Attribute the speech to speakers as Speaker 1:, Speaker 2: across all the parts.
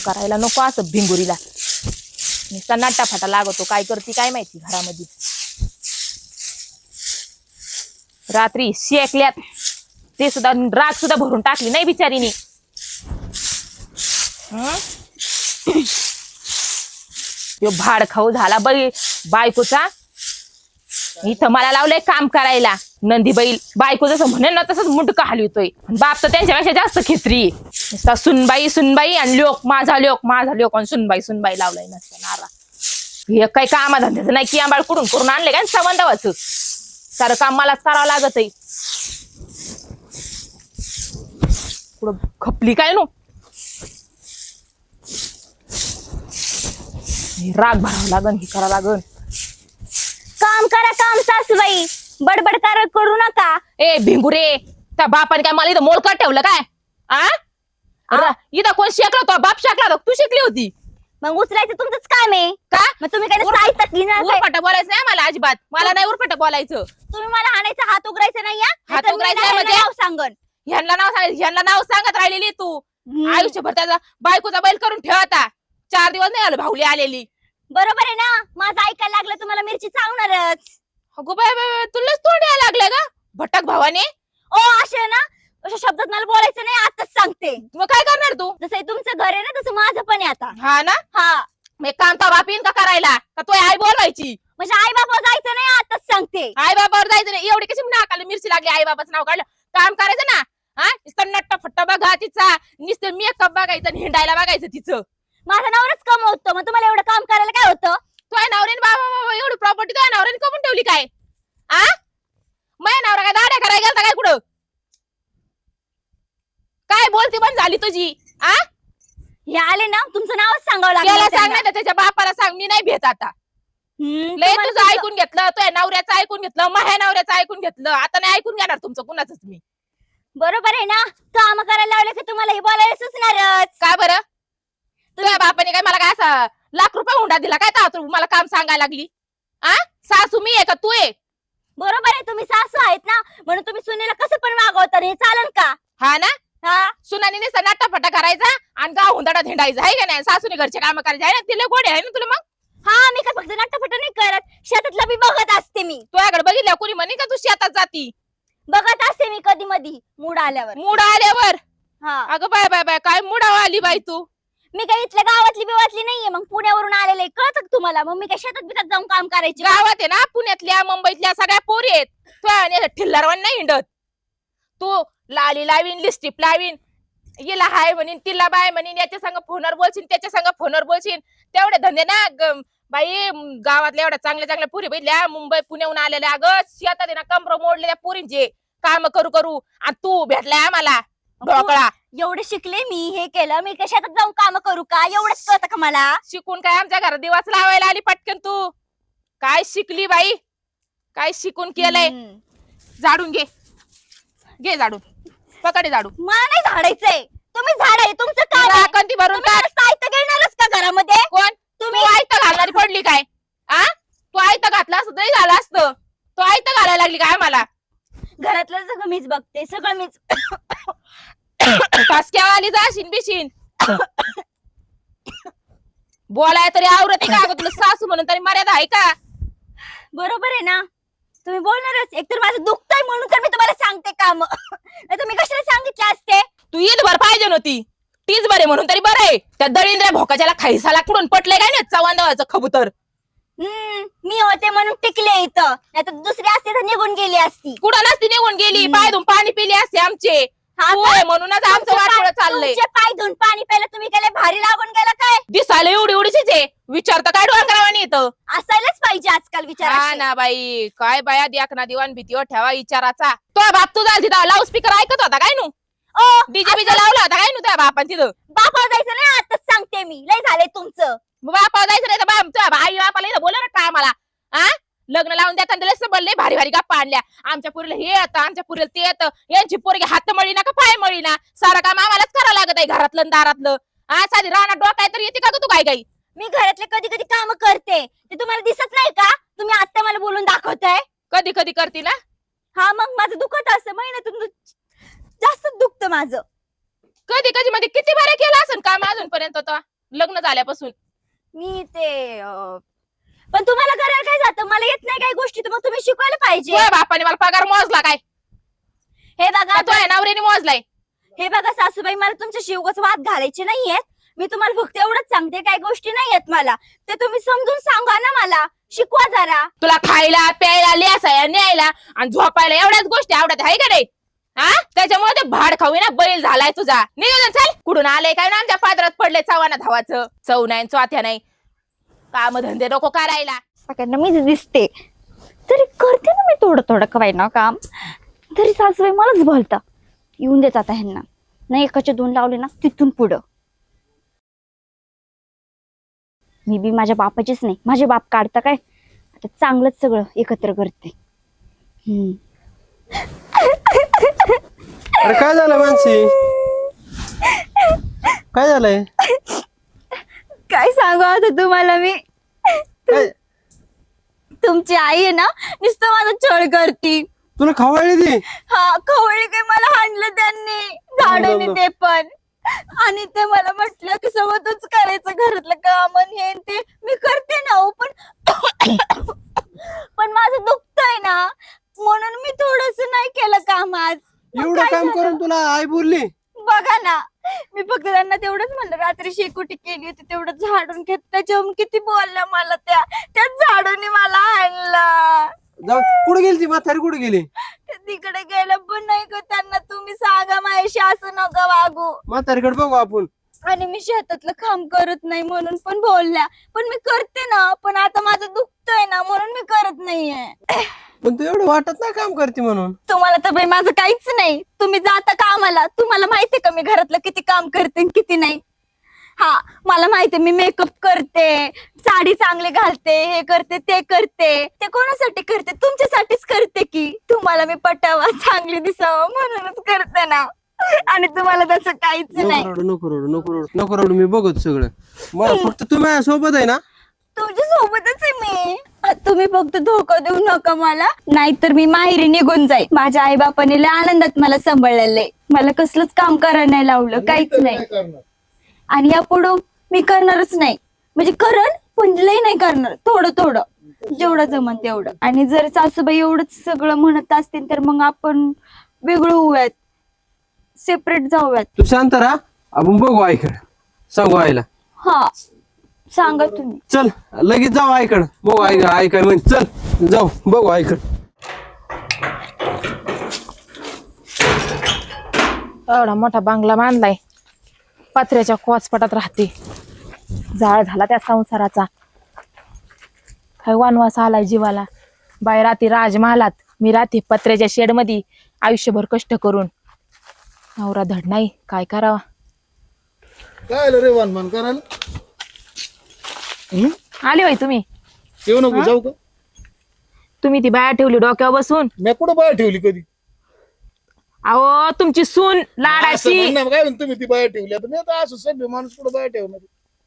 Speaker 1: करायला नको असं भिंगुरीला नुसता नाटाफाटा लागतो काय करते काय माहिती घरामध्ये रात्री शेकल्यात ते सुद्धा राग सुद्धा भरून टाकली नाही बिचारीनी तो भाड खाऊ झाला बायकोचा इथं मला लावलंय काम करायला नंदी बैल बायको जसं म्हणेल ना तसंच मुंडका हलवतोय बाप तर त्यांच्यापेक्षा जास्त खित्री नुसता सुनबाई सुनबाई आणि माझा लोक आणि सुनबाई लावलाय नसतं नारा हे काही कामाधंद्याचं नाही की आंबाळ कुठून करून आणले काय संबंधावाचं सारं काम मलाच करावं लागत आहे पुढं खपली काय नो राग भरावं लागन हे करावं लागन
Speaker 2: काम करा काम सासूबाई बडबड करू नका
Speaker 1: ए भिंगुरे त्या बापाने काय मला इथं मोलकट ठेवलं काय इथं कोण शिकला तो बाप शिकला होता तू शिकली होती
Speaker 2: मग उचलायचं तुमचंच काम आहे
Speaker 1: का
Speaker 2: मग तुम्ही काय
Speaker 1: उरफाट बोलायचं नाही मला अजिबात मला नाही उरफाट बोलायचं
Speaker 2: तुम्ही मला हाणायचा हात उघडायचा नाही
Speaker 1: हात उघडायचा म्हणजे
Speaker 2: सांगन
Speaker 1: ह्यांना नाव सांगत राहिलेली तू आयुष्यभर त्याचा बायकोचा बैल करून ठेवता 4 दिवस नाही आलो भाऊली आलेली
Speaker 2: बरोबर आहे ना माझं ऐकायला लागलं तुम्हाला मिरची चावणारच
Speaker 1: अगो बाय तुलाच तोंड यायला लागलं का भटक भावाने
Speaker 2: ओ असे ना अशा शब्दात मला बोलायचं नाही आताच सांगते
Speaker 1: मग काय करणार तू
Speaker 2: जसं तुमचं घर आहे ना तसं माझं पण आहे आता
Speaker 1: हा ना
Speaker 2: हा
Speaker 1: मग एक काम तर बापीन का करायला का तो आई बोलवायची
Speaker 2: म्हणजे आई बाबा जायचं नाही आताच सांगते
Speaker 1: आई बाबावर जायचं नाही एवढी कशी नाकाला मिरची लागली आई बाबाचं नाव काढलं काम करायचं ना नुसतं नट्ट फट्ट बघा तिचा नुसतं मेकअप बघायचं आणि हिंडायला बघायचं तिचं
Speaker 2: माझा नवराच कमवतो मग तुम्हाला एवढं काम करायला काय होतं
Speaker 1: तुझ्या नवऱ्याने बाबा एवढी प्रॉपर्टी तुझ्या नवऱ्याने कमवून ठेवली काय माझ्या नवरा काय दाड्या करायला गेलता काय कुठं काय बोलती पण झाली तुझी
Speaker 2: हे आले ना तुमचं नावच सांगावं
Speaker 1: त्याला
Speaker 2: लागलं
Speaker 1: सांग नाही त्याच्या बापाला सांग मी नाही भेट आता लय तुझं ऐकून घेतलं तुझ्या नवऱ्याचं ऐकून घेतलं माझ्या नवऱ्याचं ऐकून घेतलं आता नाही ऐकून घेणार तुमचं कुणाच मी
Speaker 2: बरोबर आहे ना काम करायला लावलं की तुम्हाला हे बोलायला सुचणारच
Speaker 1: काय बरं तुझ्या बापाने काय मला काय असा ₹1,00,000 हुंडा दिला काय तर मला काम सांगायला लागली सासू मी आहे का तू आहे
Speaker 2: बरोबर आहे तुम्ही सासू आहेत ना म्हणून तुम्ही सुनेला कसं पण वागवता हे चालन का
Speaker 1: हा ना
Speaker 2: हा
Speaker 1: सुनानी नुसता नाटाफटा करायचा आणि गाव हुंदाडा धेंडायचा आहे का नाही सासूने घरचे काम करायचे आहे ना तिला गोडे आहे ना तुला मग
Speaker 2: हा मी काय फक्त नाटफट नाही करत शेतातला बी बघत असते मी
Speaker 1: तुझ्याकडे बघितल्या कोणी म्हणे का तू शेतात जाती
Speaker 2: बघत असते मी कधी मधी मूड आल्यावर हा
Speaker 1: अगं बाय बाय बाय काय मुडावा आली बाई तू
Speaker 2: मी काय इथल्या गावातली बिवातली नाहीये मग पुण्यावरून आलेले कळत का तुम्हाला मग मी काय शेतात बितात जाऊन काम करायचे
Speaker 1: गावात आहे ना पुण्यातल्या मुंबईतल्या सगळ्या पोरी आहेत तुझ्या ठिल्लारवान नाही हिंडत तू लाली लावीन लिस्टिप लावीन हिला हाय म्हणीन तिला बाय म्हणीन याच्या संग फोनवर बोलशील त्याच्या संग फोनवर बोलशील तेवढे धंदे ना बाई गावातल्या एवढ्या चांगल्या चांगल्या पुरी बघितल्या मुंबई पुण्याहून आलेल्या अगं शेतात ना कमर मोडलेल्या पुरींचे काम करू करू आणि तू भेटलाय आम्हाला ढोकळा
Speaker 2: एवढे शिकले मी हे केलं मी काय शेतात जाऊन काम करू का एवढंच कळतं का मला
Speaker 1: शिकून काय आमच्या घरात दिवाच लावायला आली पटकन तू काय शिकली बाई काय शिकून केलंय झाडून घे झाडून पकडे झाडू
Speaker 2: मला नाही झाडायचंय तुम्ही झाड आहे तुमचं काय
Speaker 1: कंती भरून
Speaker 2: साहित्य घेणारच का घरामध्ये
Speaker 1: कोण तुम्ही आयत घालणारी पडली काय तू आयत घातला असत तरी झालं असतं तू आयत घालायला लागली काय मला
Speaker 2: घरातलं सगळं मीच बघते सगळं मीच
Speaker 1: टसक्यावाली जाशीन बिशीन बोलाय तरी आवरत का अगं तुला सासू म्हणून तरी मर्यादा आहे का
Speaker 2: बरोबर आहे ना तुम्ही बोलणारच एकतर माझं दुखतंय म्हणून तर मी तुम्हाला सांगते काम नाही तुम्ही कशाला सांगितले असते
Speaker 1: तू येत भर पाहिजे नव्हती तीच बरे म्हणून तरी बरं आहे त्या दळींद्र्या भोकाच्याला खाईसाला कुठून पटले काय नाही चव्हाणचं खबूतर
Speaker 2: मी होते म्हणून टिकले इथं नाही तर दुसरी असते तर निघून गेली असती
Speaker 1: कुठं नसती निघून गेली पाय धुवून पाणी पिले असते आमचे म्हणूनच आमचं वाटोळं चाललंय
Speaker 2: पाय धुवून पाणी प्यायला तुम्ही काय भारी लागून गेला काय
Speaker 1: दिसायला एवढी एवढीच आहे विचारता काय डोंगरावानी येतं
Speaker 2: असायलाच पाहिजे आजकाल विचार
Speaker 1: हा ना बाई काय बाया द्याकना दिवाण भीतीवर ठेवा विचाराचा तो बाप तुझा तिथं लाऊड स्पीकर ऐकत होता काय नू डीजे बीजे लावला होता काय नू त्या बापान तिथं
Speaker 2: बापावर जायचं नाही आताच सांगते मी लय झालंय तुमचं
Speaker 1: बापावर जायचं नाही तर आई बापाला इथं बोला ना काय आम्हाला लग्न लावून देताना दिले सबले भारी भारी गप्पा आणल्या आमच्या पुरीला हे येतं आमच्या पुरीला ते येतं यांची पोरगी हात मळी ना का पाय मळी ना सारं काम आम्हालाच करावं लागत आहे घरातलं दारातलं साधी राहणार डोकाय तर येते का तू काय काही
Speaker 2: मी घरातले कधी कधी काम करते ते तुम्हाला दिसत नाही का तुम्ही आता मला बोलून दाखवताय
Speaker 1: कधी कधी करते ना
Speaker 2: हा मग माझं दुखत असं महिन्यातून जास्त दुखतं माझं
Speaker 1: कधी कधी मध्ये किती बरं केलं असं काम अजूनपर्यंत लग्न झाल्यापासून.
Speaker 2: मी ते पण तुम्हाला करायला काय जातं? मला येत नाही काही गोष्टी, तर मग तुम्ही शिकवायला पाहिजे.
Speaker 1: तुझ्या बापाने मला पगार मोजला काय?
Speaker 2: हे बघा
Speaker 1: का तुझ्या नवऱ्याने मोजलाय?
Speaker 2: हे बघा सासूबाई, मला तुमच्या उगाच वाद घालायचे नाहीयेत. मी तुम्हाला फक्त एवढंच सांगते, काही गोष्टी नाहीयेत मला, ते तुम्ही समजून सांगा ना, मला शिकवा जरा.
Speaker 1: तुला खायला प्यायला लिहायला न्यायला आणि झोपायला एवढ्याच गोष्टी आवडत आहे का नाही? हा, त्याच्यामुळे ते भाड खाऊ ना बैल झालाय तुझा. नियोजन चल, कुठून आलंय काय ना आमच्या पादरात पडले चव्हाना धावाचं. चव नाही चौथ्या नाही, काम धंदे नको करायला.
Speaker 2: सगळ्यांना मीच दिसते, तरी करते ना मी थोडं थोडं कवाय ना काम, तरी सासूबाई मलाच बोलता. येऊन देत आता ह्यांना, नाही एकाचे 2 लावले ना तिथून पुढं. मी बी माझ्या बापाचीच नाही, माझे बाप काढता काय, आता चांगलंच सगळं एकत्र करते.
Speaker 3: अरे काय झालं मानसी? काय झालंय?
Speaker 2: काय सांगू आता तुम्हाला मी.
Speaker 3: काय
Speaker 2: तुमची आई आहे ना, नुसतं माझा छळ करती.
Speaker 3: तुला खवळली ती?
Speaker 2: हा, खवळली काय, मला हाणलं त्यांनी झाडाने ते पण. आणि ते मला म्हटलं की सोबतच करायचं घरातलं काम आणि हे ते. मी करते ना हो, पण माझं दुखतंय ना, म्हणून मी थोडस नाही केलं काम आज. मग
Speaker 3: एवढं
Speaker 2: काय
Speaker 3: काम
Speaker 2: झालं?
Speaker 3: करून तुला आई बोलली?
Speaker 2: बघा ना, मी फक्त त्यांना तेवढंच म्हणलं, रात्री शेकोटी केली होती तेवढं झाडून घेत, त्याच्याहून किती बोलल्या मला त्या झाडूने मला आणलं.
Speaker 3: जाऊ, कुठे गेली ती म्हातारी? कुठे गेली?
Speaker 2: तिकडे गेलं पण नाही का, त्यांना तुम्ही सांगा माझ्याशी असं नका वागू.
Speaker 3: म्हातारीकडे बघू आपण.
Speaker 2: आणि मी शेतातलं काम करत नाही म्हणून पण बोलल्या, पण मी करते ना, पण आता माझं दुखतंय ना म्हणून मी करत नाहीये.
Speaker 3: पण तू एवढं वाटत नाही काम करते म्हणून.
Speaker 2: तुम्हाला तर बाई माझं काहीच नाही, तुम्ही जाता कामाला, तुम्हाला माहितीये का मी घरातलं किती काम करते आणि किती नाही. हा, मला माहितीये, मी मेकअप करते, साडी चांगली घालते, हे करते ते करते. ते कोणासाठी करते? तुमच्यासाठीच करते की, तुम्हाला मी पटावा, चांगली दिसावं म्हणूनच करते ना. आणि तुम्हाला तसं काहीच नाही.
Speaker 3: नको रडू, मी बघत सगळं. मला फक्त तू माझ्या सोबत आहे ना?
Speaker 2: तुमच्या सोबतच आहे मी. तुम्ही फक्त धोका देऊ नका मला, नाहीतर मी माहेरी निघून जाईल. माझ्या आई बापाने लय आनंदात मला सांभाळलेलं आहे, मला कसलंच काम करायला नाही लावलं, काहीच नाही. आणि यापुढं मी करणारच नाही, म्हणजे करण पण लय नाही करणार, थोडं थोडं जेवढं जमन तेवढं. आणि जर सासूबाई एवढंच सगळं म्हणत असतील तर मग आपण वेगळं होऊयात, सेपरेट जाऊयात.
Speaker 3: तू शांत राहा, आपण बघू आईकडे, सांगू आईला.
Speaker 2: हा, सांगा तुम्ही.
Speaker 3: चल लगेच जाऊ आईकडे, बघू आई काय म्हण. चल जाऊ बघू आईकडे.
Speaker 1: एवढा मोठा बांगला बांधलाय, पत्र्याच्या कोचपटात राहते. जाळ झाला त्या संसाराचा, काय वनवास आलाय जीवाला. बाई राहते राजमहालात, मी राहते पत्र्याच्या शेड मध्ये आयुष्यभर कष्ट करून. नवरा धड नाही, काय करावा.
Speaker 4: काय रे वनमान करायला?
Speaker 1: आले बाई तुम्ही?
Speaker 4: येऊ नको, जाऊ का?
Speaker 1: तुम्ही ती बाया ठेवली डोक्यावर बसून.
Speaker 4: मी कुठं बाहेर ठेवली कधी?
Speaker 1: अहो तुमची सून
Speaker 4: असं
Speaker 1: लाडाची.
Speaker 4: म्हणणं काय म्हणतो, तुम्ही ती बाहेर ठेवली? आता मी आता असं सभ्य माणूस कुठं बाहेर ठेवणार?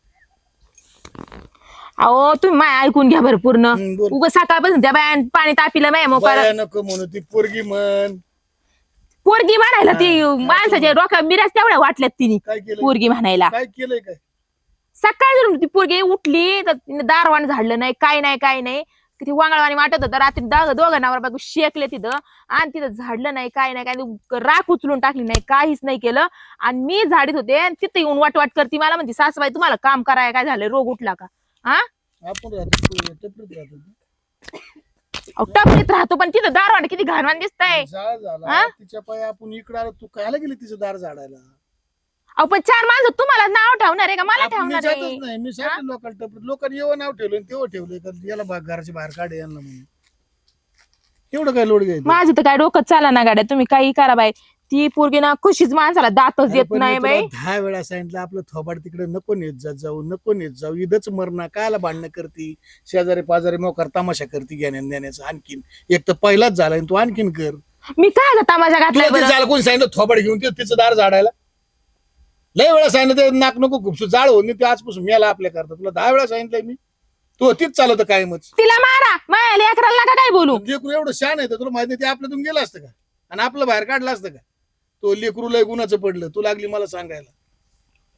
Speaker 1: अहो तुम्ही माय ऐकून घ्या बरं पूर्ण.
Speaker 4: बोल.
Speaker 1: उग सकाळपासून त्या बाया पाणी तापिलं माय मोकार.
Speaker 4: बाया नको म्हणू, ती पोरगी म्हण.
Speaker 1: पोरगी म्हणायला ती माणसाच्या डोक्यात मिराज तेवढ्या वाटल्यात तिने
Speaker 4: काय केलं?
Speaker 1: पोरगी म्हणायला.
Speaker 4: काय केलंय काय?
Speaker 1: सकाळी जर ती पोरगी उठली तर तिने दारवाण झाडलं नाही, काय नाही. किती वांगळवाणी वाटत होतं. रात्री दोघं नवरा बायको शेकले तिथं, आणि तिथं झाडलं नाही, काय राख उचलून टाकली नाही, काहीच नाही केलं. आणि मी झाडीत होते आणि तिथं येऊन वाट करते. मला म्हणते सासूबाई तुम्हाला काम करायला काय झालं, रोग उठला का? हा,
Speaker 4: आपण राहतो टपरीत राहतो.
Speaker 1: टपरीत राहतो पण तिथं दारवाण किती घाणवाण दिसतंय.
Speaker 4: जाळ झाला तिच्या पाय, आपण इकडे आलो, तू कायला गेली तिचं दार झाडायला?
Speaker 1: अहो पण 4 माणसं तुम्हाला नाव ठेवणार आहे का मला
Speaker 4: आपण मी
Speaker 1: ठेवणार
Speaker 4: जातच
Speaker 1: आहे?
Speaker 4: नाही, मी सांगितलं लोकांना टपरीत. लोकांनी एवढं नाव ठेवलं तेव्हा ठेवलंय का याला घराच्या बाहेर काढे यांना म्हणून. एवढं काय लोड घ्यायचं?
Speaker 1: माझं तर काय डोकं चाला ना गाड्या, तुम्ही काही करा बाई. ती पोरगी ना खुशीच माणसाला दातच देत
Speaker 4: पण मी
Speaker 1: नाही
Speaker 4: तुला
Speaker 1: बाई.
Speaker 4: 10 वेळा सांगितलं आपलं थोबाड तिकडे नको नेत जाऊ, नको नेत जाऊ. इथंच मरणा कायला भांडणं करती, शेजारी पाजारी मोकार तमाशा करती घेण्यान देण्याचं. आणखीन एक तर पहिलाच झालाय, तू आणखीन कर.
Speaker 1: मी काय जाता माझ्या घातलाय
Speaker 4: तुला ते
Speaker 1: बरं?
Speaker 4: झालं कोणी सांगितलं थोबाड घेऊन तिचं दार झाडायला? लय वेळा सांगितलं ते नाक नको खूपसू जाळ होऊन ते आजपासून मेला आपल्या करता. तुला 10 वेळा सांगितलंय मी, तू होतीच चालत कायमच.
Speaker 1: तिला मारा, माझ्या लेकराला नका काय बोलू.
Speaker 4: लेकरू एवढं शान आहे तर तुला माहिती, ते आपल्यातून गेलं असतं का? आणि आपलं बाहेर काढलं असतं का? तो लेकरू लय गुणाचं पडलं, तू लागली मला सांगायला.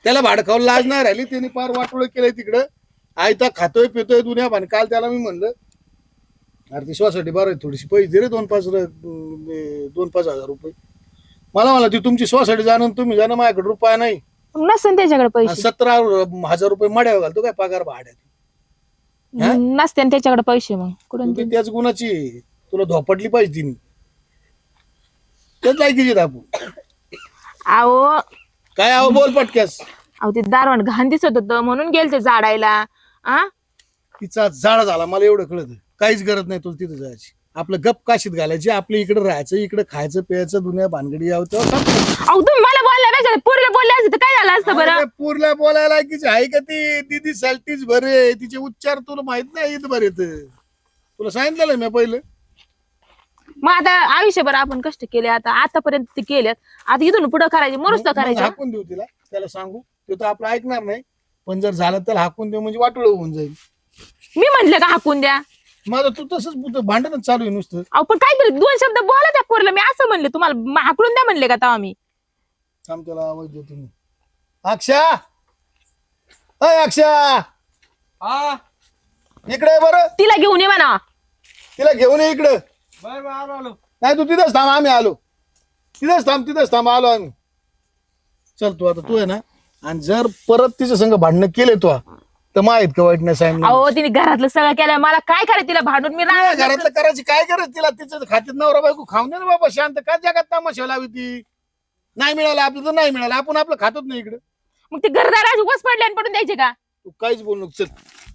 Speaker 4: त्याला भाडकावून लाज नाही राहिली, त्याने फार वाटोळ केलंय तिकडं. आयता खातोय पितोय दुनिया भान. काल त्याला मी म्हणलं अरे ती सोसायटी बरं आहे, थोडीशी पैसे दे रे 2-5 हजार रुपये. मला ती तुमची सोसायटी जाणून तुम्ही जाणं, माझ्याकडे रुपया नाही.
Speaker 1: नसेल त्याच्याकडे पैसे,
Speaker 4: 17,000 रुपये मड्यावर घालतो काय पगार भाड्यात.
Speaker 1: नसते त्याच्याकडे पैसे, मग कुठून
Speaker 4: ती त्याच गुणाची तुला धोपटली पाहिजे तिने, त्याच लायकीची दापू.
Speaker 1: अहो
Speaker 4: काय आहो बोल पटक्यास.
Speaker 1: ते दारवण घाण दिसत होतं म्हणून गेलते झाडायला.
Speaker 4: तिचा जाळा झाला मला एवढं कळत. काहीच गरज नाही तुला तिथं जायची. आपलं गप काशीत घालायची, आपल्या इकडे राहायचं, इकडे खायचं प्यायचं, दुनिया भानगडी यावं तेव्हा संपलं.
Speaker 1: अहो तुम्ही मला बोलल्यापेक्षा पोरीला बोलले असते तर काय झालं असतं बरं.
Speaker 4: अरे पूरला बोलायला लायकीची आहे का ती? दीदी सॅल्टीच बरे, तिचे उच्चार तुला माहित नाही येत बरे. तुला सांगितलं मी पहिलं.
Speaker 1: मग आता आयुष्यभर आपण कष्ट केले, आतापर्यंत ते केलेत, आता इथून पुढे करायचे, मरुस्त
Speaker 4: मग
Speaker 1: करायचं.
Speaker 4: हाकून देऊ तिला, त्याला सांगू ते तर आपलं ऐकणार नाही. पण जर झालं तर हाकून देऊ म्हणजे वाटोळ होऊन जाईल.
Speaker 1: मी म्हंटले का हाकून द्या?
Speaker 4: माझं तू तसंच भांडणच चालू आहे नुसतं.
Speaker 1: अहो पण काहीतरी 2 शब्द बोला त्या पोरीला. मी असं म्हणले तुम्हाला हाकलून द्या म्हणले का तेव्हा मी?
Speaker 4: थांब त्याला आवाज देतो मी. अक्षा, अय अक्षा,
Speaker 3: हा
Speaker 4: इकडे ये बरं.
Speaker 1: तिला घेऊन ये म्हणा.
Speaker 4: तिला घेऊन ये इकडं.
Speaker 3: बर आलो आलो.
Speaker 4: नाही तू तिथंच थांब, आम्ही आलो. तिथंच थांब आलो आम्ही. चल तू आता तू आहे ना, आणि जर परत तिच्या संग भांडणं केले तू तर माहित का वाईट नाही सांगितलं.
Speaker 1: अहो तिने घरातलं सगळं केलं, मला काय करायचं तिला भांडून? मी राहणार
Speaker 4: घरातलं करायची काय गरज तिला? तिचं खात्यात नवरा बायको खाऊन दे ना बाबा शांत. का जगात तमाशा लावी ती? नाही मिळालं आपलं तर नाही मिळालं, आपण आपलं खातच नाही इकडं.
Speaker 1: मग ते घरदार वस पडले आणि पडून द्यायचे का?
Speaker 4: तू काहीच बोल नको. चल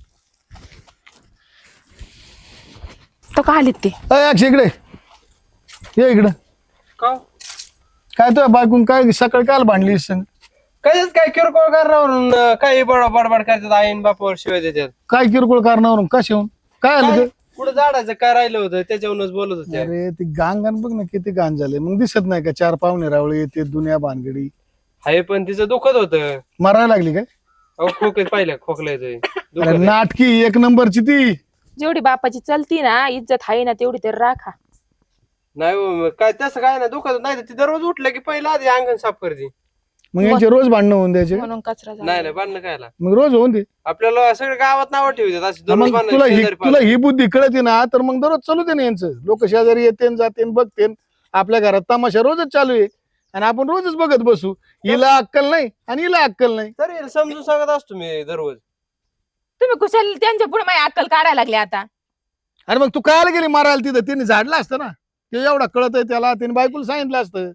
Speaker 1: तो का आलेत ते?
Speaker 4: अय अक्षय इकडे ये इकडं.
Speaker 3: का
Speaker 4: काय तुझ्या बायकून काय सकाळी काल भांडली संग?
Speaker 3: कायच काय किरकोळ कारणावरून काही बडबड करतात, आईन बापावर शिवाय देतात.
Speaker 4: काय किरकोळ कारणावरून कसे होऊन काय आलं ते?
Speaker 3: कुठं झाडाचं काय राहिलं होतं त्याच्यावरूनच बोलत होते.
Speaker 4: अरे ती गांगण बघ ना किती घाण झाले. मग दिसत नाही का 4 पाहुणे रावळे येते दुनिया भानगडी.
Speaker 3: हाय पण तिचं दुखत होतं.
Speaker 4: मरायला लागली काय?
Speaker 3: अहो खोकत पाहिलं खोकलायचं
Speaker 4: अरे नाटकी 1 नंबरची ती.
Speaker 1: जेवढी बापाची चलती ना, इज्जत आहे ना तेवढी तर राखा.
Speaker 3: नाही हो, मग काय तसं काय ना दुखत नाही. ती दररोज उठलं की पहिला आधी अंगण साफ करते.
Speaker 4: मग यांचे रोज भांडणं होऊन द्यायचे.
Speaker 1: म्हणून कचरा झाला.
Speaker 3: नाही बांधणं कायला.
Speaker 4: मग रोज होऊन दे.
Speaker 3: आपल्याला सगळं गावात नावं ठेवतात अशी दररोज
Speaker 4: मग
Speaker 3: भांडणं,
Speaker 4: तुला
Speaker 3: शेजारी
Speaker 4: तुला ही बुद्धी कळते ना, तर मग दररोज चालू दे ना यांचं. लोक शेजारी येते जाते बघते. आपल्या घरात तमाशा रोजच चालू आहे आणि आपण रोजच बघत बसू. हिला अक्कल नाही आणि हिला अक्कल नाही.
Speaker 3: तरी समजून सांगत असतो मी दररोज.
Speaker 1: तुम्ही कुशाल त्यांच्या पुढे माझी अक्कल काढायला लागले आता.
Speaker 4: अरे मग तू कायला गेली मारायला तिथं? तिने झाडलं असतं ना. ते एवढा कळत आहे त्याला, त्याने बायकोला सांगितलं असतं.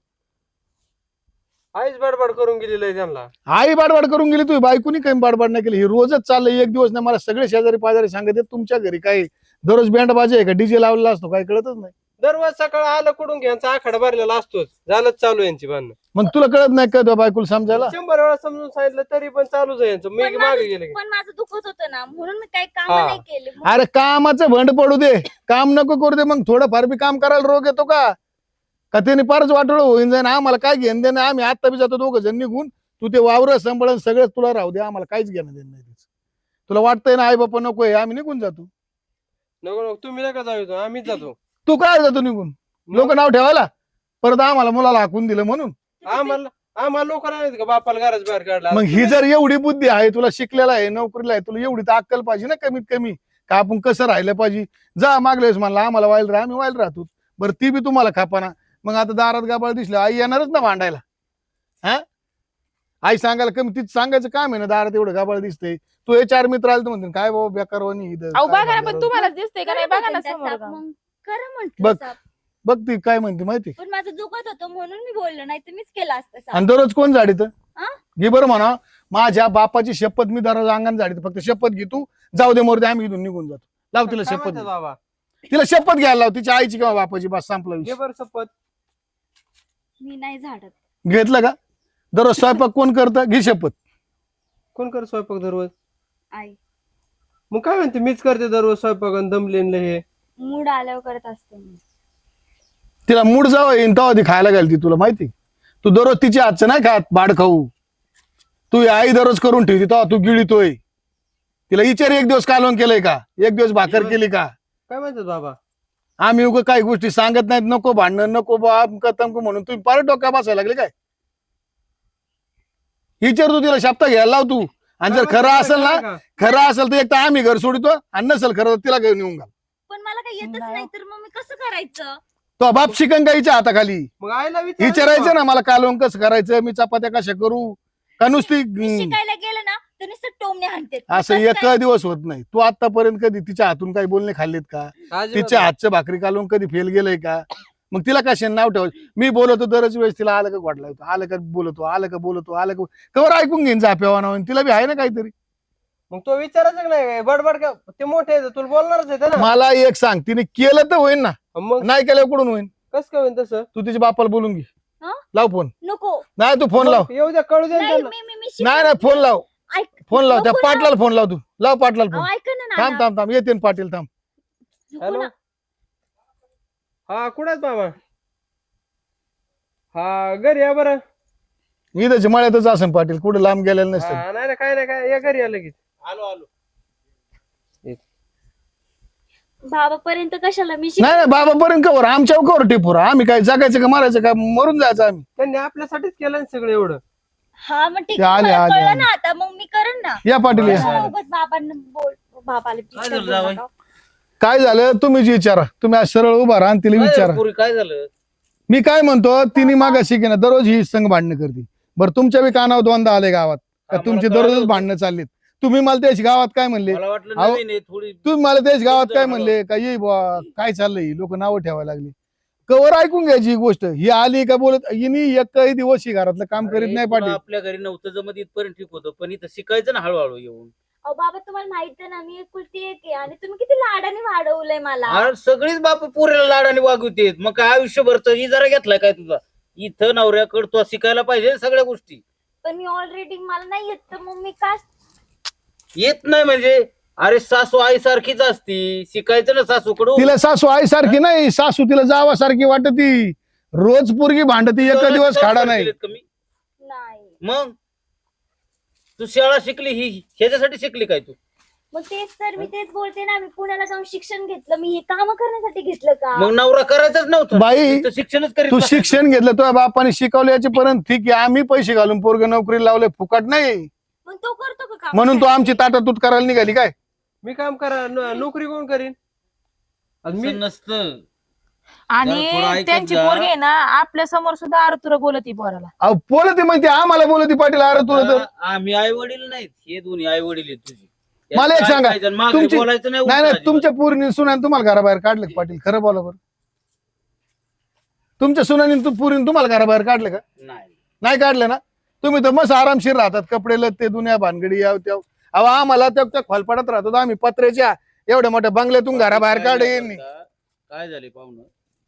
Speaker 3: आईच बडबड करून गेलेलं आहे त्यांना.
Speaker 4: आई बाडबाड करून गेली, तू बायकोनी काही बाडबाड नाही केली. ही रोजच चाललंय. एक दिवस नाही. मला सगळे शेजारी पाजारी सांगत आहेत तुमच्या घरी काय दररोज बँड बाजे आहे का, डीजे लावलेला असतो काय कळतच नाही.
Speaker 3: दररोज सकाळ आलं कुठून घ्यायचा आखाडा भरलेला असतोच. झालंच चालू यांची भांडणं.
Speaker 4: मग तुला कळत नाही का तुझ्या बायकोला समजायला?
Speaker 3: 100 वेळा समजून सांगितलं तरी पण चालूच आहे यांचं. मी मागे गेले की.
Speaker 2: पण माझं दुखत होतं ना, म्हणून मी काही काम
Speaker 3: हा.
Speaker 2: नाही केले.
Speaker 4: अरे कामाचं भंड पडू दे, काम नको करू दे. मग थोडं फार बी काम करायला रोग येतो का? का त्याने फारच वाटोळ होईन जाईन. आम्हाला काय घेणं देणं? आम्ही आता बी जातो 2 जण निघून. तू ते वावर सांभाळून सगळं तुला राहू दे. आम्हाला काहीच घेणं देणं नाही त्याचं. तुला वाटतंय ना आई बापा नको आहे, आम्ही निघून जातो.
Speaker 3: नको नको तुम्ही नका जाऊ, आम्हीच जातो.
Speaker 4: तू काय जातो निघून? लोक नाव ठेवायला परत आम्हाला मुलाला हाकून दिलं म्हणून.
Speaker 3: आम्हाला लोक नाही का बापाला घराच बाहेर काढला.
Speaker 4: मग ही जर एवढी बुद्धी आहे, तुला शिकलेला आहे, नोकरीला आहे, तुला एवढी तर अक्कल पाहिजे ना कमीत कमी, का आपण कसं राहिलं पाहिजे. जा मागल्या वेळेस म्हणला आम्हाला वाईल राहा, आम्ही वाईल राहतो. बरं ती बी तुम्हाला खापाना. मग आता दारात गाबाळ दिसलं आई येणारच ना भांडायला. हा आई सांगायला कमी, तीच सांगायचं काम आहे ना. दारात एवढं गाबाळ दिसतंय. तू हे 4 मित्र आले तर म्हणते काय बाबा बेकार वाणी इथं.
Speaker 1: अहो
Speaker 4: काय
Speaker 1: बघा ना,
Speaker 4: भांडण?
Speaker 1: पण तुम्हाला दिसतंय का नाही बघा ना समोर.
Speaker 2: खरं
Speaker 4: बघ.
Speaker 2: म्हटलं.
Speaker 4: बघ ती काय म्हणते माहिती.
Speaker 2: पण माझं दुखत होतं म्हणून मी बोललो, नाही तर मीच केलं असतं साफ.
Speaker 4: आणि दररोज कोण झाडीत
Speaker 2: हा?
Speaker 4: घे बरं म्हणा. माझ्या बापाची शपथ, मी दररोज अंगण झाडीत. फक्त शपथ घे तू. जाऊ दे मोरदे, आम्ही इथून निघून जातो. लाव तिला
Speaker 3: काय
Speaker 4: शपथ.
Speaker 3: म्हणतात बाबा?
Speaker 4: तिला शपथ घ्यायला लाव, तिच्या आईची किंवा बापाची. बस संपला
Speaker 3: घे
Speaker 4: विषय.
Speaker 3: बरं शपथ.
Speaker 2: मी नाही झाडत.
Speaker 4: घेतलं का? दररोज स्वयंपाक कोण करतं? घे शपथ.
Speaker 3: कोण कर स्वयंपाक दररोज?
Speaker 2: आई
Speaker 3: मग काय म्हणते मीच करते दररोज स्वयंपाक आणि दमलेलं हे.
Speaker 2: मूड आल्यावर करत असते मी.
Speaker 4: तिला मूड जावं येईन तेव्हा ती खायला घालती. तुला माहिती, तू दररोज तिच्या हातचं नाही खात बाड खाऊ. तू आई दररोज करून ठेवती तेव्हा तू गिळीतोय. तिला विचार 1 दिवस कालवण केलंय का? 1 दिवस भाकर केली का?
Speaker 3: काय म्हणतात बाबा?
Speaker 4: आम्ही उगा काही गोष्टी सांगत नाहीत. नको भांडणं नको बाप कतमको म्हणून तुम्ही पार डोक्या बसायला लागले काय? विचार तू तिला शब्द घ्यायला लाव तू. आणि जर खरं असेल ना, खरं असेल तर एक तर आम्ही घर सोडितो, आणि नसेल खरं तर तिला घेऊन येऊन घाल.
Speaker 2: पण मला काही येतच नाही तर मग मी कसं करायचं?
Speaker 4: तो बाप शिकन का हिच्या हाताखाली?
Speaker 3: मग आईला
Speaker 4: विचारायचं ना मला कालवण कसं करायचं, मी चपात्या कशा करू, का नुसती
Speaker 2: मी शिकायला गेलं ना तर नुसतं टोमणे हाणते.
Speaker 4: असं एक दिवस होत नाही. तू आतापर्यंत कधी तिच्या हातून काही बोलणे खाल्लेत का? तिच्या हातच्या भाकरी कालवून कधी फेल गेलंय का? मग तिला कशाने नाव ठेवायचं? मी बोलतो दरच वेळेस तिला आलं का वाटला होतो, आलं का बोलतो, आलं का बोलतो, आलं का कवर ऐकून घेईन जाप्यावा नाव, तिला बी आहे ना काहीतरी.
Speaker 3: मग तो विचारायचं नाही बडबड का ते मोठे आहे तुला बोलणारच आहे ना.
Speaker 4: मला एक सांग, तिने केलं तर होईन ना,
Speaker 3: मग
Speaker 4: नाही केलं कुठून होईन?
Speaker 3: कस काय होईल तसं?
Speaker 4: तू तिच्या बापाला बोलून घे.
Speaker 2: हं?
Speaker 4: लाव फोन.
Speaker 2: नको.
Speaker 4: नाही तू फोन लाव.
Speaker 3: येऊ द्या कळू द्या
Speaker 2: नाही,
Speaker 3: त्यांना.
Speaker 2: मी
Speaker 4: नाही नाही फोन लाव,
Speaker 2: ऐक-
Speaker 4: फोन लाव. त्या
Speaker 2: नको ना.
Speaker 4: पाटलाला फोन लाव, तू लाव पाटलाला
Speaker 2: अहो,
Speaker 4: फोन.
Speaker 2: ऐका ना
Speaker 4: थांब
Speaker 2: नाना.
Speaker 4: थांब थांब, येते ना पाटील, थांब.
Speaker 2: नको
Speaker 3: हॅलो
Speaker 2: ना.
Speaker 3: हा कुठे मामा? हा घरी या बरं.
Speaker 4: इथंच मळ्यातच असेल पाटील, कुठे लांब गेलेलं नसतं.
Speaker 3: हा, नाही काय नाही काय या घरी या लगेच. आलो.
Speaker 2: बाबापर्यंत कशाला मी
Speaker 4: नाही नाही बाबापर्यंत कवर, आमच्या कवर टिपूर. आम्ही काय जगायचं का मारायचं का, मरून जायचं आम्ही.
Speaker 3: त्यांनी आपल्यासाठीच केलं ना सगळं एवढं.
Speaker 2: हा मग ठीक
Speaker 4: ते
Speaker 2: आहे,
Speaker 4: आले,
Speaker 2: मला
Speaker 4: आले,
Speaker 2: कळलं
Speaker 4: आले.
Speaker 2: ना आता, मग मी करेन ना.
Speaker 4: या पाटील या.
Speaker 2: कशाला उगाच बाबांना बाबाला
Speaker 5: काय
Speaker 2: disturb
Speaker 5: झालं जावई?
Speaker 2: नका.
Speaker 4: काय झालं तुम्हीच विचारा. तुम्ही आज सरळ उभा राहा आणि तिला विचारा.
Speaker 5: पुरी काय झालं?
Speaker 4: मी काय म्हणतो, तिने मागाशी की ना दररोज ही संघ भांडणं करते. बरं तुमच्या बी कानावर दोनदा आले गावात का
Speaker 5: आम्हाला
Speaker 4: तुमची
Speaker 5: कळलं
Speaker 4: दररोज
Speaker 5: होतं.
Speaker 4: भांडणं चाललीत? तुम्ही मला त्याच गावात काय म्हणले?
Speaker 5: मला वाटलं
Speaker 4: अहो,
Speaker 5: नवीन आहे थोडी.
Speaker 4: तुम्ही मला त्याच गावात काय म्हणले का, ये बुवा काय चाललंय, लोक नावं ठेवायला लागली. कवर ऐकून घ्यायची ही गोष्ट. ही आली का बोलत, हिनी एकही दिवस ही घरातलं काम करीत
Speaker 5: अरे,
Speaker 4: नाही
Speaker 5: तुला
Speaker 4: पाटील.
Speaker 5: आपल्या घरी नव्हतं जमत इथपर्यंत ठीक होतं, पण इथं शिकायचं ना हळूहळू येऊन.
Speaker 2: अहो बाबा तुम्हाला माहित आहे ना मी एकुलती एक आहे आणि तुम्ही किती लाडाने वाढवलंय मला.
Speaker 5: अरे सगळीच बाप पुरेला लाडाने वागवतेत. मग काय आयुष्यभरच ही जरा घेतलाय काय तुझा? इथं नवऱ्याकडे तो शिकायला पाहिजे ना सगळ्या गोष्टी.
Speaker 2: पण मी ऑलरेडी मला नाही येत तर मग मी काय.
Speaker 5: येत नाही म्हणजे? अरे सासू आई सारखीच असती, शिकायचं ना सासूकडून.
Speaker 4: तिला सासू आई सारखी नाही, सासू तिला जावासारखी वाटती. रोज पोरगी भांडती, एक दिवस खाडा नाही.
Speaker 5: कमी
Speaker 2: नाही
Speaker 5: मग तू शाळा शिकली ही ह्याच्यासाठी शिकली काय तू?
Speaker 2: मग तेच तर मी तेच बोलते ना, मी पुण्याला जाऊन शिक्षण घेतलं, मी हे काम करण्यासाठी घेतलं का?
Speaker 5: मग नवरा करायचाच नव्हतं
Speaker 4: बाई,
Speaker 5: नुसतं शिक्षणच करीत
Speaker 4: तू
Speaker 5: बसायचं.
Speaker 4: शिक्षण घेतलं, तुझ्या बापाने शिकवलं याच्यापर्यंत ठीक आहे. आम्ही पैसे घालून पोरग नोकरी लावले, फुकट नाही.
Speaker 2: मग तो करतो का काम?
Speaker 4: म्हणून तू आमची ताटातूट करायला निघाली काय?
Speaker 3: मी काम करा नोकरी कोण करीन? आणि मी
Speaker 5: असं नसतं.
Speaker 1: आणि
Speaker 5: जरा थोडं ऐकत
Speaker 1: त्यांची
Speaker 5: जा.
Speaker 1: पोरगी आहे ना आपल्या समोर सुद्धा आरतुर बोलती पोराला.
Speaker 4: अहो बोलते म्हणते, आम्हाला बोलते पाटील. अरे तुला तर
Speaker 5: आम्ही आई वडील नाहीत, हे दोन्ही आई वडील आहेत तुझे.
Speaker 4: मला एक सांगा, तुमची-
Speaker 5: बोलायचं नाही
Speaker 4: नाही
Speaker 5: उलटं
Speaker 4: नाही, तुमच्या पोरीने सुनाने तुम्हाला घराबाहेर काढलं का पाटील? खरं बोला बरं. तुमच्या सुनाने पोरीने तुम्हाला घराबाहेर काढलं का?
Speaker 5: नाही.
Speaker 4: नाही काढलं ना? तुम्ही तर मस्त आरामशीर राहतात, कपडे लत्ते दुनिया भानगडी याव त्याव. अहो आम्हाला त्या खोलपाडात राहतो, आम्ही पत्र्याच्या एवढ्या मोठ्या बंगल्यातून घराबाहेर
Speaker 5: काय
Speaker 4: काढे.
Speaker 5: झालं आता? काय झाले पाहुणं,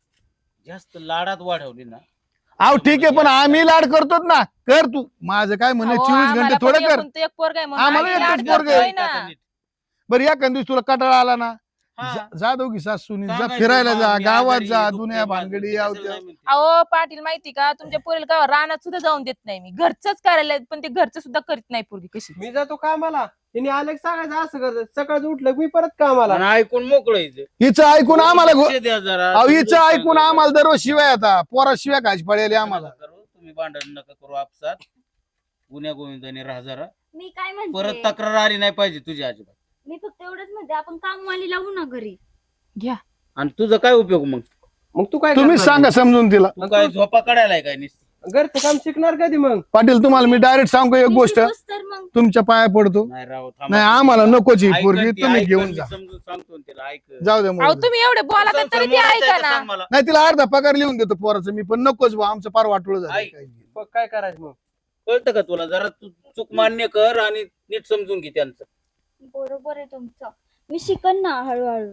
Speaker 5: जास्त लाडात वाढवली ना.
Speaker 4: अहो ठीक आहे, पण आम्ही लाड करतोच ना. कर तू. माझं काय म्हणणं,
Speaker 1: अहो,
Speaker 4: 24
Speaker 1: आम्हाला
Speaker 4: घंटे
Speaker 1: पण
Speaker 4: थोडं कर.
Speaker 1: एकूण तो एक पोरगा आहे म्हणून
Speaker 4: आम्हाला
Speaker 1: आम्ही
Speaker 4: एकच
Speaker 1: लाड
Speaker 4: पोरगं आहे.
Speaker 1: करतोय ना.
Speaker 4: बरं या दिवस तुला कटाळा आला ना,
Speaker 5: हा.
Speaker 4: जा दोघी सासूनी, जा
Speaker 5: सांगायचं,
Speaker 4: फिरायला जा,
Speaker 5: बा, मी
Speaker 4: गावात
Speaker 5: आजारी
Speaker 4: जा,
Speaker 5: आहे,
Speaker 4: दुनिया
Speaker 5: दुखतंय
Speaker 4: भानगडी
Speaker 5: माझं,
Speaker 4: याव
Speaker 5: कशाला
Speaker 4: त्याव.
Speaker 5: नाही म्हणते.
Speaker 1: अहो पाटील माहिती का, तुमच्या पोरीला का रानात सुद्धा जाऊन देत नाही मी. घरचंच करायला पण ते घरचं सुद्धा करीत नाही पोरगी कशी.
Speaker 3: मी जातो कामाला, तिने आलं की सांगायचं असं करत. सकाळचं उठलं की मी परत कामाला.
Speaker 5: आणि ऐकून मोकळायचं.
Speaker 4: हिचं ऐकून आम्हाला
Speaker 5: लक्ष द्या जरा.
Speaker 4: अहो
Speaker 5: तुम्ही
Speaker 4: हिचं
Speaker 5: दोघं
Speaker 4: ऐकून
Speaker 5: सांगा.
Speaker 4: आम्हाला दररोज शिवाय आता पोरा शिवाय खायची पडेल आम्हाला.
Speaker 5: नका करू, तुम्ही भांडण नका करू आपसात. गुन्ह्या गोविंदाने राहा जरा.
Speaker 2: मी काय
Speaker 5: परत
Speaker 2: म्हणते,
Speaker 5: तक्रार आली नाही पाहिजे तुझी अजिबात.
Speaker 2: मी फक्त एवढंच म्हणते आपण कामवाली लावू ना घरी.
Speaker 1: घ्या.
Speaker 5: आणि तुझा काय उपयोग मग?
Speaker 3: मग तू काय
Speaker 4: तुम्हीच
Speaker 3: करणार?
Speaker 4: सांगा समजून तिला.
Speaker 5: तू काय झोपा काढायला काय नुसती?
Speaker 3: घरचं काम शिकणार कधी मग?
Speaker 4: पाटील तुम्हाला मी डायरेक्ट सांगू एक
Speaker 2: मी
Speaker 4: गोष्ट,
Speaker 2: शिकवस तर मग
Speaker 4: तुमच्या पाया पडतो.
Speaker 5: नाही राव, थांबा.
Speaker 4: नाही आम्हाला नकोची
Speaker 5: ऐकन
Speaker 4: पोरगी,
Speaker 5: ती,
Speaker 4: तुम्ही
Speaker 5: ऐकन
Speaker 4: घेऊन
Speaker 5: मी
Speaker 4: जा.
Speaker 5: समजून सांगतो ना तिला, ऐक.
Speaker 4: जाऊ दे
Speaker 1: अहो
Speaker 4: मग.
Speaker 1: तुम्ही एवढे बोला तरी
Speaker 5: संसार
Speaker 1: ती
Speaker 5: मोडायचा
Speaker 1: ऐका
Speaker 5: आहे का
Speaker 1: ना.
Speaker 5: सांग मला.
Speaker 4: नाही तिला अर्धा पगार लिहून देतो पोराचं मी, पण नकोच बा, आमचं फार वाटोळ झालं.
Speaker 5: ऐक.
Speaker 3: मग काय करायचं मग?
Speaker 5: कळतं का तुला? जरा तू चूक मान्य कर आणि नीट समजून घे त्यांचं.
Speaker 2: बरोबर आहे तुमचं. मी शिकन ना हळूहळू,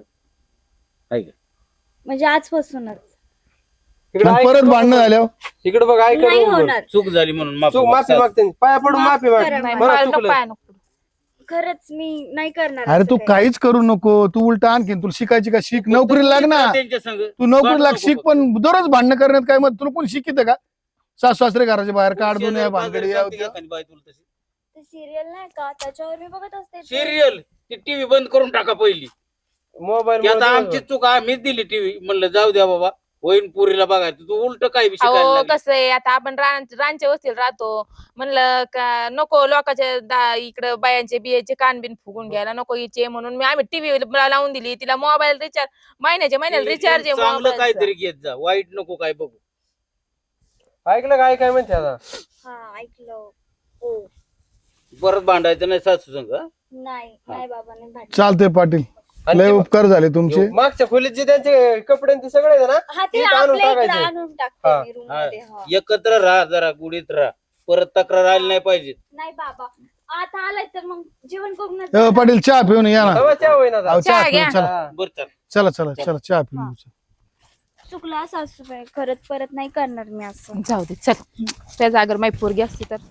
Speaker 5: ऐक.
Speaker 2: म्हणजे आजपासूनच.
Speaker 3: इकडे
Speaker 4: पण
Speaker 3: ऐक
Speaker 4: परत
Speaker 3: नको
Speaker 4: भांडणं
Speaker 3: बोल.
Speaker 4: झाल्यावर
Speaker 3: इकडे बघ, ऐक
Speaker 2: नाही
Speaker 3: नको बोल.
Speaker 2: होणार.
Speaker 5: चूक झाली म्हणून माफी
Speaker 3: चूक माफी
Speaker 5: माग.
Speaker 3: मागते, पाया पडून
Speaker 2: माफ
Speaker 3: माफी माग.
Speaker 2: करा
Speaker 1: नाही,
Speaker 2: मला.
Speaker 3: बरं,
Speaker 1: पाय
Speaker 3: चुकलं.
Speaker 1: नको, पाय नको.
Speaker 2: खरंच मी नाही करणार.
Speaker 4: अरे
Speaker 2: असं
Speaker 4: तू
Speaker 2: काही.
Speaker 4: काहीच करू नको. तू उलट आणखीन तुला शिकायची का शिक, नोकरीला लाग ना.
Speaker 5: त्यांच्या संग
Speaker 4: तू नोकरीला लाग,
Speaker 5: भांडू
Speaker 4: शिक,
Speaker 5: नको.
Speaker 4: पण दररोज भांडणं करण्यात काय मग तुला कोण शिकित का? सासू सासरे घराच्या बाहेर काढ, दुनिया
Speaker 5: शेजारी
Speaker 4: भानगडी
Speaker 5: पाजारी
Speaker 4: याव
Speaker 5: सांगते का
Speaker 4: त्याव.
Speaker 5: एखादी बाई तुला तशी?
Speaker 2: ते सिरियल नाही का त्याच्यावर मी बघत असते.
Speaker 5: सिरियल ती टीव्ही बंद करून टाका पहिली.
Speaker 3: मोबाईल
Speaker 5: ती आता आमची चूक, आम्हीच दिली टीव्ही. म्हणलं जाऊ द्या बाबा, होईन पुरीला बघायचं तू उलट काय बी शिकायला
Speaker 1: अहो
Speaker 5: लागली.
Speaker 1: कसं आहे आता आपण रानच्या वस्तीला राहतो म्हणलं का नको लोकांच्या इकडं बायांचे बियाचे कानबिन फुगून घ्यायला नको हिचे म्हणून आम्ही टीव्ही लावून दिली तिला मोबाईल रिचार्ज महिन्याला रिचार्ज आहे
Speaker 5: चांगलं
Speaker 1: मोबाईलचं.
Speaker 5: काहीतरी घेत जा वाईट नको काय बघू.
Speaker 3: ऐकलं काय काय म्हणते आता
Speaker 2: हा ऐकलं हो
Speaker 5: परत भांडायचं नाही सासू संग हं?
Speaker 2: नाही नाही बाबा नाही भांडण.
Speaker 4: चालतंय पाटील
Speaker 3: आणि
Speaker 4: लय
Speaker 3: ते
Speaker 4: उपकार झाले तुमचे
Speaker 3: मागच्या खोलीत जे त्यांचे कपडे आणि ते सगळे आहेत ना
Speaker 2: हा ते
Speaker 3: इथं आणून
Speaker 2: आपल्या इकडे
Speaker 3: टाकायचे.
Speaker 2: आणून
Speaker 3: हा.
Speaker 2: टाकते मी रूम मध्ये हा.
Speaker 5: एकत्र राहा जरा गुढीत राहा परत तक्रार आली नाही पाहिजे.
Speaker 2: नाही बाबा आता आलाय तर मग जेवण करून
Speaker 4: पाटील चहा पिऊन या ना
Speaker 3: तेव्हा चहा होईना आता.
Speaker 4: अहो, चहा
Speaker 1: चहा
Speaker 4: पिऊन
Speaker 1: घ्या.
Speaker 4: चला
Speaker 3: हा.
Speaker 5: बरं चल.
Speaker 4: चला चला चला चहा पिऊन
Speaker 2: चुकला सासूबाई खरंच परत नाही करणार मी असं
Speaker 1: जाऊ दे चल त्या जागर माई पोरगी असती तर